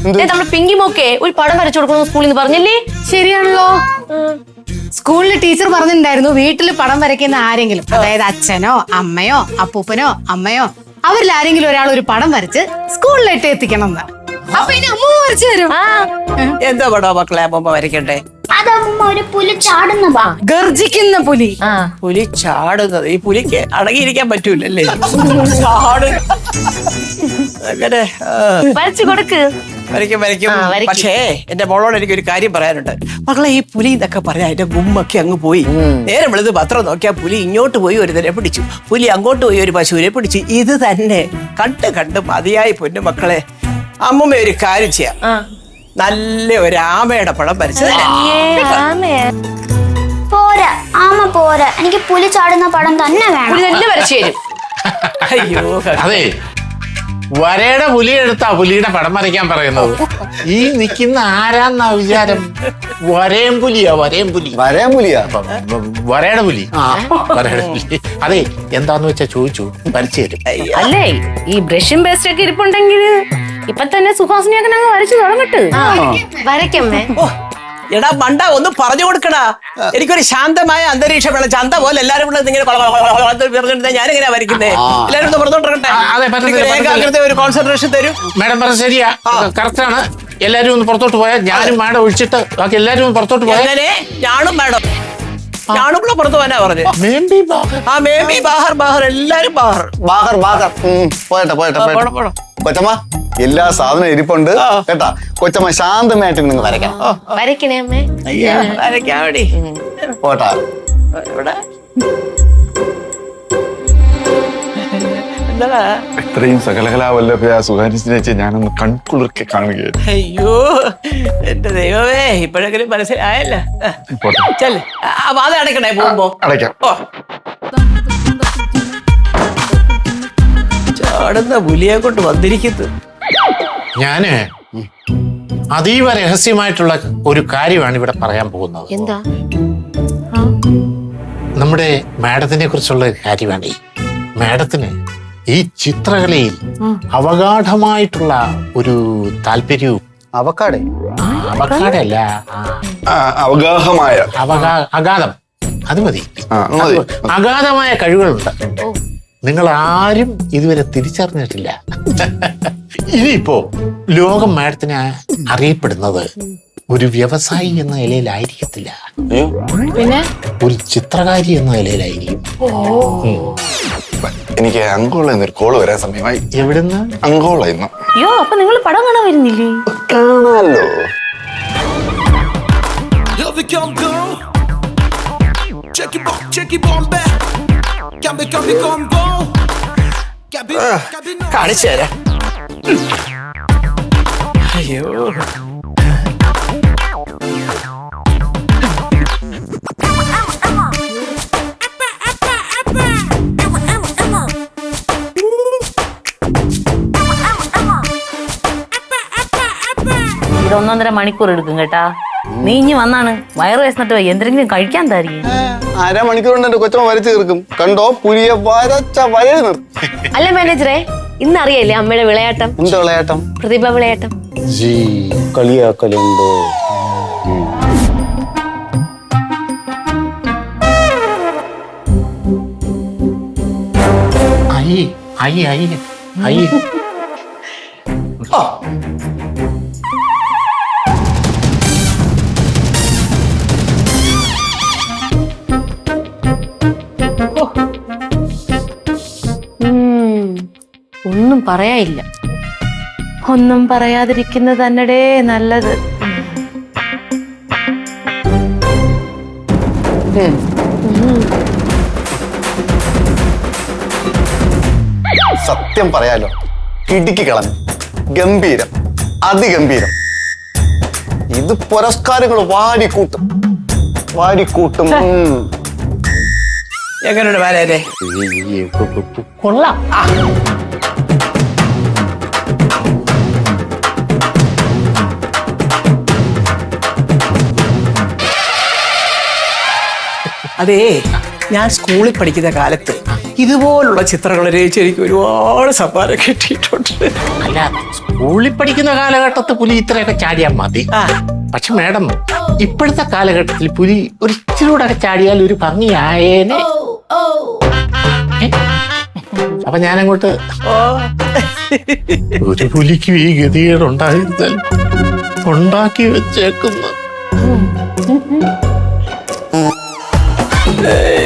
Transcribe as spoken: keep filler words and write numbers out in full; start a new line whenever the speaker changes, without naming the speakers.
നമ്മുടെ പിങ്കി മോക്കെ ഒരു പടം വരച്ചു കൊടുക്കണം സ്കൂളിൽ നിന്ന് പറഞ്ഞില്ലേ?
ശരിയാണല്ലോ. സ്കൂളിൽ ടീച്ചർ പറഞ്ഞിട്ടുണ്ടായിരുന്നു വീട്ടിൽ പടം വരയ്ക്കുന്ന ആരെങ്കിലും, അതായത് അച്ഛനോ അമ്മയോ അപ്പൂപ്പനോ അമ്മയോ, അവരിൽ ആരെങ്കിലും ഒരാൾ ഒരു പടം വരച്ച് സ്കൂളിലേക്ക് എത്തിക്കണം എന്ന്. അപ്പൊ ഇനി അമ്മ വരച്ചു തരും.
എന്താ പടോ മക്കളെ അമ്മ വരയ്ക്കണ്ടേ?
ഒരു പുലി ചാടുന്ന
ഗർജിക്കുന്ന പുലി.
പുലി ചാടുന്നത് ഈ പുലിക്ക് അടങ്ങിയിരിക്കാൻ പറ്റൂലല്ലേ? ചാട് അങ്ങനെ
വരച്ചു കൊടുക്ക്.
വരയ്ക്കും വരയ്ക്കും. പക്ഷേ എന്റെ മോളോട് എനിക്ക് ഒരു കാര്യം പറയാനുണ്ട്. മക്കളെ ഈ പുലി എന്നൊക്കെ പറയാ അതിന്റെ ഗുമ്മൊക്കെ അങ്ങ് പോയി. നേരെ വെളുത് പത്രം നോക്കിയാ പുലി ഇങ്ങോട്ട് പോയി ഒരുതരെ പിടിച്ചു, പുലി അങ്ങോട്ട് പോയി ഒരു പശുവിനെ പിടിച്ചു. ഇത് തന്നെ കണ്ട് കണ്ട് മതിയായി പൊന്നു മക്കളെ. അമ്മമ്മ ഒരു കാര്യം ചെയ്യാം, നല്ല ഒരു ആമയുടെ പടം വരച്ചു
പോരാ. ആമ പോരാ, എനിക്ക് പുലി ചാടുന്ന പടം തന്നെ വേണം.
തന്നെ വരച്ചു തരും.
അയ്യോ
അതെ, വരയുടെ പുലി എടുത്താ പുലിയുടെ പടം വരയ്ക്കാൻ പറയുന്നത്. ഈ നിൽക്കുന്ന ആരാന്നാ വിചാരം? വരയം പുലിയാ, വരയം പുലി.
വരയം പുലിയാ?
വരയുടെ പുലി, വരയുടെ പുലി. അതെ, എന്താന്ന് വെച്ചാ ചോദിച്ചു, വരച്ചു തരും.
അല്ലേ ഈ ബ്രഷും പേസ്റ്റ് ഒക്കെ ഇരിപ്പുണ്ടെങ്കിൽ ഇപ്പൊ തന്നെ സുഹാസിനിയൊക്കെ ഞങ്ങൾ വരച്ചു തുടങ്ങട്ട്. വരയ്ക്കമ്മേ.
എടാ മണ്ട ഒന്ന് പറഞ്ഞു കൊടുക്കടാ. എനിക്കൊരു ശാന്തമായ അന്തരീക്ഷം വേണം. ചന്ത പോലെ എല്ലാരും കൂടെ ഇങ്ങനെ ഞാനെങ്ങനെയാ വരയ്ക്കുന്നേ? എല്ലാരും ഒന്ന് പറഞ്ഞോണ്ടിരിക്കട്ടെ. ഒരു കോൺസെൻട്രേഷൻ തരും.
മാഡം പറഞ്ഞ ശരിയാ, കറക്റ്റ് ആണ്. എല്ലാരും ഒന്ന് പുറത്തോട്ട് പോയാൽ ഞാനും മാഡം ഒഴിച്ചിട്ട് ബാക്കി എല്ലാരും ഒന്ന് പുറത്തോട്ട് പോയാൽ
ഞാനും മാഡം ഞാനും കൂടെ പുറത്തു പോകാനാ പറഞ്ഞു. ആ മേബി ബാഹർ ബാഹർ എല്ലാരും ബാഹർ
ബാഹർ ബാഹർ. പോയട്ടെ പോയട്ടെ കൊച്ചമ്മ, എല്ലാ സാധനവും ഇരിപ്പുണ്ട് കേട്ടാ. കൊച്ചമ്മ ശാന്തമായിട്ട് നിങ്ങൾ വരയ്ക്കാം.
വരയ്ക്കണേ അമ്മേ.
വരയ്ക്കാൻ വേണ്ടി
പോട്ടാ.
ഇവിടെ എന്താ
ഇത്രയും സകലകലാവല്ലഭയ സുഹാനിസിനെ ഞാനൊന്ന് കൺകുളിർക്കെ കാണുകയായിരുന്നു.
അയ്യോ എന്റെ ദൈവമേ, ഇപ്പോഴെങ്കിലും മനസ്സിലായല്ല. ചെല്ലേ അത് അടയ്ക്കണേ പോകുമ്പോ.
അടയ്ക്കാം.
ചാടുന്ന പുലിയെ കൊണ്ട് വന്നിരിക്കുന്നു.
ഞാന് അതീവ രഹസ്യമായിട്ടുള്ള ഒരു കാര്യമാണ് ഇവിടെ പറയാൻ പോകുന്നത്.
എന്താ?
നമ്മുടെ മാഡത്തിനെ കുറിച്ചുള്ള കാര്യമാണ്. മാഡത്തിന് ഈ ചിത്രകലയിൽ അവഗാഢമായിട്ടുള്ള ഒരു താല്പര്യവും.
അവക്കാടെ?
അവഗാഢല്ല,
അവഗാഹമായ
അവഗാ അഗാധം, അത് മതി. അഗാധമായ കഴിവുകളുണ്ട്. നിങ്ങൾ ആരും ഇതുവരെ തിരിച്ചറിഞ്ഞിട്ടില്ല. ഇനിയിപ്പോ ലോകം മാഡത്തിനെ അറിയപ്പെടുന്നത് ഒരു വ്യവസായി എന്ന നിലയിലായിരിക്കത്തില്ല,
പിന്നെ
ഒരു ചിത്രകാരി എന്ന നിലയിലായിരിക്കും.
എനിക്ക് അങ്കോള എന്നൊരു കോള് വരാൻ സമയമായി.
എവിടുന്ന്?
അങ്കോള ഇന്ന്.
അയ്യോ, അപ്പൊ നിങ്ങൾ പടം കാണാൻ വരുന്നില്ലേ?
കാണാലോ.
കാണിച്ചു തരാം. അയ്യോ
ഒന്നൊന്നര മണിക്കൂർ എടുക്കും കേട്ടാ. നീ ഇനി വന്നാണ് വയറ് വേസ്ന്നിട്ട് എന്തെങ്കിലും കഴിക്കാൻ തരികയും.
അരമണിക്കൂർ കൊണ്ട് എന്റെ കൊച്ചമ്മ വരച്ചു തീർക്കും. കണ്ടോ, പുലിയെ വരച്ച വരയിൽ നിർത്തും.
അല്ല മാനേജറെ, ഇന്നറിയല്ലേ അമ്മയുടെ വിളയാട്ടം?
എന്ത് വിളയാട്ടം?
പ്രതിഭ വിളയാട്ടം.
കളിയാക്കലുണ്ടോ?
അയ്യ അയ്യ അയ്യ അയ്യ.
ഒന്നും പറയാനില്ല. ഒന്നും പറയാതിരിക്കുന്നത് തന്നെടേ നല്ലത്.
സത്യം പറയാലോ, കിടുക്കി കളഞ്ഞു. ഗംഭീരം, അതിഗംഭീരം. ഇത് പുരസ്കാരങ്ങൾ വാരിക്കൂട്ടും വാരിക്കൂട്ടും.
എങ്ങനെയുണ്ട് ബാലേ?
കൊള്ളാം.
അതേ, ഞാൻ സ്കൂളിൽ പഠിക്കുന്ന കാലത്ത് ഇതുപോലുള്ള ചിത്രങ്ങൾ രചിച്ച് എനിക്ക് ഒരുപാട് സമ്മാനം കിട്ടിയിട്ടുണ്ട്.
അല്ല, സ്കൂളിൽ പഠിക്കുന്ന കാലഘട്ടത്തിൽ പുലി ഇത്രയൊക്കെ ചാടിയാൽ മതി.
ആ.
പക്ഷെ മാഡം, ഇപ്പോഴത്തെ കാലഘട്ടത്തിൽ പുലി ഒരു ഇച്ചിരി കൂടെ ഒക്കെ ചാടിയാൽ ഒരു ഭംഗിയായേനെ. ഏ? അപ്പൊ ഞാനങ്ങോട്ട്
ഓ
ഒരു പുലിക്ക് ഈ ഗതികേടുണ്ടായിരുന്നാൽ ഉണ്ടാക്കി വെച്ചേക്കുന്നു.
ഏ